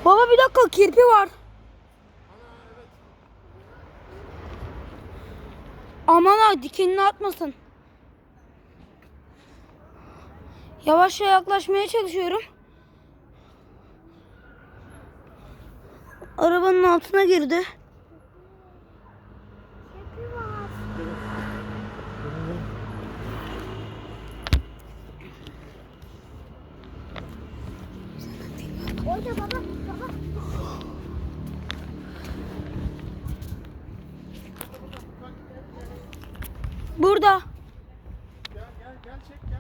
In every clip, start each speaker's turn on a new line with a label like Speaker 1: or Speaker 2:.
Speaker 1: Baba bir dakika, kirpi var. Aman ha, dikenini atmasın. Yavaşça yaklaşmaya çalışıyorum. Arabanın altına girdi.
Speaker 2: Orada baba.
Speaker 1: Burada.
Speaker 3: Gel çek gel.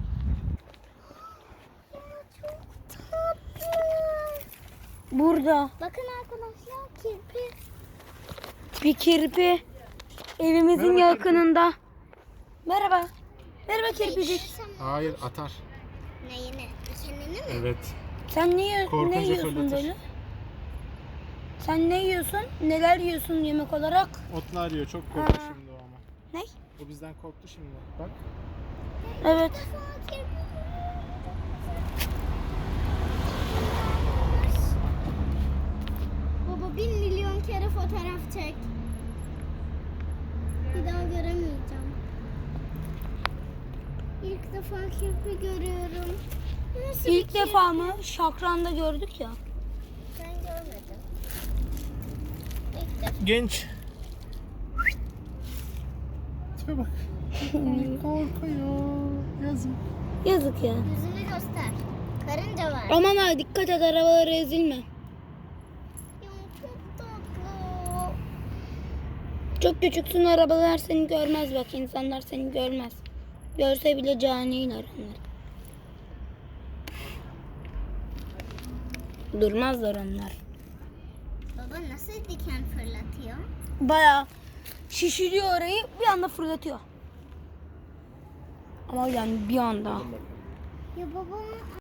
Speaker 2: Çok tatlı.
Speaker 1: Burada.
Speaker 2: Bakın arkadaşlar, kirpi.
Speaker 1: Bir kirpi. Evimizin
Speaker 3: Merhaba
Speaker 1: yakınında. Merhaba. Merhaba kirpicik.
Speaker 3: Hayır atar.
Speaker 2: Neyini? Kendini mi?
Speaker 3: Evet.
Speaker 1: Sen ne
Speaker 3: Korkunca
Speaker 1: yiyorsun
Speaker 3: fırlatır.
Speaker 1: böyle? Sen ne yiyorsun? Neler yiyorsun yemek olarak?
Speaker 3: Otlar yiyor. Çok korktu
Speaker 1: Ha.
Speaker 3: şimdi o ama.
Speaker 1: Ne?
Speaker 3: O bizden korktu şimdi. Bak.
Speaker 1: Evet.
Speaker 2: Baba 1.000.000 kere fotoğraf çek. Bir daha göremeyeceğim. İlk defa kirpi görüyorum. Nasıl
Speaker 1: İlk
Speaker 2: bir
Speaker 1: defa mı? Şakran'da gördük ya.
Speaker 2: Ben görmedim. İlk defa.
Speaker 3: Genç. Tipe bak. Korkuyor. Yazık.
Speaker 1: Yazık ya.
Speaker 2: Yüzünü göster. Karınca var.
Speaker 1: Aman ha, dikkat et, arabalara ezilme.
Speaker 2: Ya, çok tatlı.
Speaker 1: Çok küçüksün, arabalar seni görmez, bak insanlar seni görmez. Görse bile caniler onlar. Durmazlar onlar.
Speaker 2: Baba nasıl diken fırlatıyor?
Speaker 1: Bayağı şişiriyor orayı, bir anda fırlatıyor. Ama yani bir anda.
Speaker 2: Ya babam